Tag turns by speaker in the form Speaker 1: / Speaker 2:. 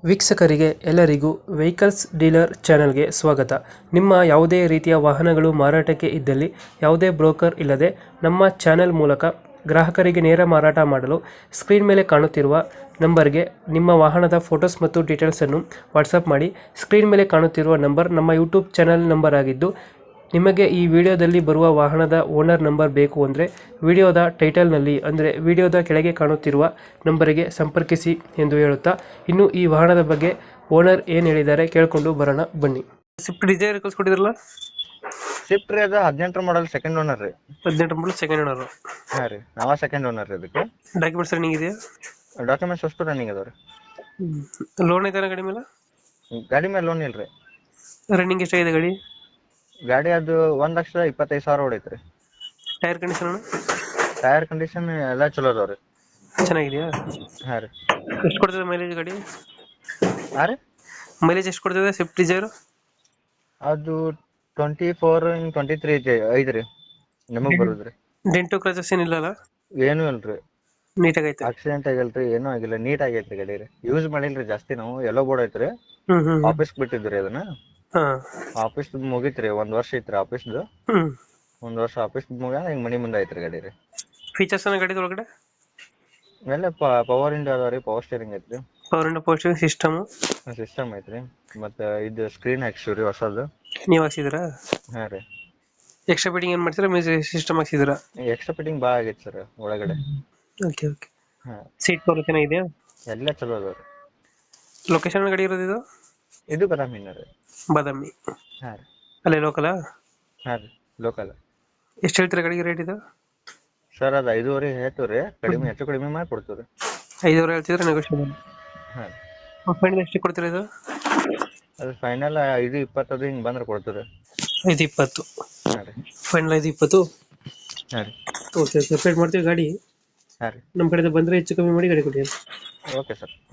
Speaker 1: ವೀಕ್ಷಕರಿಗೆ ಎಲ್ಲರಿಗೂ vehicles dealer ಚಾನೆಲ್ಗೆ ಸ್ವಾಗತ. ನಿಮ್ಮ ಯಾವುದೇ ರೀತಿಯ ವಾಹನಗಳು ಮಾರಾಟಕ್ಕೆ ಇದ್ದಲ್ಲಿ ಯಾವುದೇ ಬ್ರೋಕರ್ ಇಲ್ಲದೆ ನಮ್ಮ ಚಾನೆಲ್ ಮೂಲಕ ಗ್ರಾಹಕರಿಗೆ ನೇರ ಮಾರಾಟ ಮಾಡಲು ಸ್ಕ್ರೀನ್ ಮೇಲೆ ಕಾಣುತ್ತಿರುವ ನಂಬರ್ಗೆ ನಿಮ್ಮ ವಾಹನದ ಫೋಟೋಸ್ ಮತ್ತು ಡೀಟೇಲ್ಸನ್ನು ವಾಟ್ಸಪ್ ಮಾಡಿ. ಸ್ಕ್ರೀನ್ ಮೇಲೆ ಕಾಣುತ್ತಿರುವ ನಂಬರ್ ನಮ್ಮ ಯೂಟ್ಯೂಬ್ ಚಾನೆಲ್ ನಂಬರ್ ಆಗಿದ್ದು, ನಿಮಗೆ ಈ ವಿಡಿಯೋದಲ್ಲಿ ಬರುವ ವಾಹನದ ಓನರ್ ನಂಬರ್ ಬೇಕು ಅಂದರೆ ವಿಡಿಯೋದ ಟೈಟಲ್ನಲ್ಲಿ ಅಂದರೆ ವಿಡಿಯೋದ ಕೆಳಗೆ ಕಾಣುತ್ತಿರುವ ನಂಬರಿಗೆ ಸಂಪರ್ಕಿಸಿ ಎಂದು ಹೇಳುತ್ತಾ, ಇನ್ನು ಈ ವಾಹನದ ಬಗ್ಗೆ ಓನರ್ ಏನು ಹೇಳಿದ್ದಾರೆ ಕೇಳಿಕೊಂಡು ಬರೋಣ ಬನ್ನಿ. ಸ್ವಿಫ್ಟ್ ಡಿಸೈರ್ ಕಳ್ಸ್ಕೊಟ್ಟಿದ್ರಲ್ಲ,
Speaker 2: ಸ್ವಿಫ್ಟ್ ರೀ, ಅದು 18 ಮಾಡಲ್ ಸೆಕೆಂಡ್ ಓನರ್ ರೀ.
Speaker 1: 18 ಮಾಡಲ್ ಸೆಕೆಂಡ್ ಓನರ್.
Speaker 2: ಹಾಂ ರೀ, ನಾವ ಸೆಕೆಂಡ್ ಓನರ್ ರೀ. ಇದಕ್ಕೆ
Speaker 1: ಡಾಕ್ಯುಮೆಂಟ್ಸ್ ರನ್ನಿಂಗ್ ಇದೆಯಾ?
Speaker 2: ಡಾಕ್ಯುಮೆಂಟ್ಸ್ ಅಷ್ಟು ರನ್ನಿಂಗ್ ಅದಾವ ರೀ.
Speaker 1: ಲೋನ್ ಐತೆ ಗಾಡಿ ಮೇಲೆ?
Speaker 2: ಗಾಡಿ ಮೇಲೆ ಲೋನ್ ಇಲ್ರಿ.
Speaker 1: ರನ್ನಿಂಗ್ ಎಷ್ಟಾಗಿದೆ ಗಾಡಿ?
Speaker 2: ಗಾಡಿ ಅದು 1,25,000 ಹೊಡೈತ್ರಿ.
Speaker 1: Tyre condition?
Speaker 2: ಟೈರ್ ಕಂಡೀಷನ್ ಎಲ್ಲ ಚಲೋ ಅದಾವ ರೀ.
Speaker 1: ಚೆನ್ನಾಗಿದೆಯಾ?
Speaker 2: ಹಾಂ ರೀ.
Speaker 1: ಎಷ್ಟು ಕೊಡ್ತದೆ ಮೈಲೇಜ್ ಗಾಡಿ?
Speaker 2: ಹಾಂ ರೀ,
Speaker 1: ಮೈಲೇಜ್ ಎಷ್ಟು ಕೊಡ್ತದೆ ಸ್ವಿಫ್ಟ್ ಡಿಸೈರ್?
Speaker 2: ಅದು 24-23 ಐತ್ರಿ ನಿಮಗೆ ಬರುದ್ರಿ.
Speaker 1: Dent scratches ಏನಿಲ್ಲಲ್ಲ?
Speaker 2: ಏನೂ ಇಲ್ರಿ.
Speaker 1: ನೀಟಾಗೈತೆ?
Speaker 2: ಆಕ್ಸಿಡೆಂಟ್ ಆಗಿಲ್ರಿ, ಏನೂ ಆಗಿಲ್ಲ, ನೀಟ್ ಆಗೈತ್ರಿ ಗಾಡಿ ರೀ. ಯೂಸ್ ಮಾಡಿಲ್ರಿ ಜಾಸ್ತಿ. ನಾವು ಎಲ್ಲೋ ಬೋರ್ಡ್ ಐತ್ರಿ, ಆಫೀಸ್ ಬಿಟ್ಟಿದ್ರಿ ಅದನ್ನ. ಆಫೀಸ್ ಮುಗಿತ್ರಿ, 1 ವರ್ಷ ಐತ್ರಿ ಆಫೀಸ್ದು. 1 ವರ್ಷ ಆಫೀಸ್ ಮುಗ್ಯಾನ ಈಗ ಮನಿ ಮುಂದೆ ಐತ್ರಿ ಗಾಡಿ ರೀ.
Speaker 1: ಫೀಚರ್ಸ್ ಗಾಡಿ ಒಳಗಡೆ
Speaker 2: ಎಲ್ಲ ಪವರ್ ಇಂಡಿಯಾ ಅದಾವ ರೀ, ಪವರ್ ಸ್ಟೇರಿಂಗ್ ಐತ್ರಿ,
Speaker 1: power Indo power steering
Speaker 2: system ಐತ್ರಿ. ಮತ್ತೆ ಇದು ಸ್ಕ್ರೀನ್ ಹಾಕ್ಸಿವ್ರಿ ಹೊಸದು.
Speaker 1: ನೀವು ಹಾಕ್ಸಿದ್ರಾ?
Speaker 2: ಹಾಂ ರೀ.
Speaker 1: ಎಕ್ಸ್ಟ್ರಾ ಫಿಟ್ಟಿಂಗ್ ಏನ್ ಮಾಡ್ತೀರಾ? ಮ್ಯೂಸಿಕ್ ಸಿಸ್ಟಮ್ ಹಾಕ್ಸಿದ್ರಾ?
Speaker 2: ಎಕ್ಸ್ಟ್ರಾ ಫಿಟ್ಟಿಂಗ್ ಭಾಳ ಆಗೈತೆ ಸರ್ ಒಳಗಡೆ.
Speaker 1: Okay okay.
Speaker 2: ಹಾಂ,
Speaker 1: ಸೀಟ್ ಕವರ್ ಚೆನ್ನಾಗಿದೆಯಾ?
Speaker 2: ಎಲ್ಲ ಚಲೋ ಅದಾವ ರೀ.
Speaker 1: ಲೊಕೇಶನ್ ಗಾಡಿ ಇರೋದು ಇದು?
Speaker 2: ಇದು ಬದಾಮಿನ ರೀ.
Speaker 1: ಬಾದಾಮಿ?
Speaker 2: ಹಾಂ ರೀ.
Speaker 1: ಅಲ್ಲೇ ಲೋಕಲಾ?
Speaker 2: ಹಾಂ ರೀ, ಲೋಕಲ್.
Speaker 1: ಎಷ್ಟು ಹೇಳ್ತೀರಾ ಗಾಡಿಗೆ ರೇಟ್ ಇದು?
Speaker 2: ಸರ್ ಅದು 5.5 ಹೇಳ್ತೀವಿ ರೀ, ಕಡಿಮೆ ಹೆಚ್ಚು ಕಡಿಮೆ ಮಾಡಿ ಕೊಡ್ತೀವಿ ರೀ.
Speaker 1: 5,000 ಹೇಳ್ತಿದ್ರೆ ನೆಗೋಷಿಯಬಲ್.
Speaker 2: ಹಾಂ.
Speaker 1: ಫೈನಲ್ ಎಷ್ಟು ಕೊಡ್ತೀರಾ ಇದು?
Speaker 2: ಅದು ಫೈನಲ್ 5.20 ಹಿಂಗೆ ಬಂದ್ರೆ ಕೊಡ್ತೀವಿ ರೀ.
Speaker 1: 5,20?
Speaker 2: ಹಾಂ ರೀ.
Speaker 1: ಫೈನಲ್ 5,20?
Speaker 2: ಹಾಂ ರೀ.
Speaker 1: ಓಕೆ, ಸಪ್ರೇಟ್ ಮಾಡ್ತೀವಿ ಗಾಡಿ.
Speaker 2: ಹಾಂ ರೀ.
Speaker 1: ನಮ್ಮ ಕಡೆಯಿಂದ ಬಂದರೆ ಹೆಚ್ಚು ಕಮ್ಮಿ ಮಾಡಿ ಗಾಡಿ ಕೊಡಿ.
Speaker 2: Okay sir.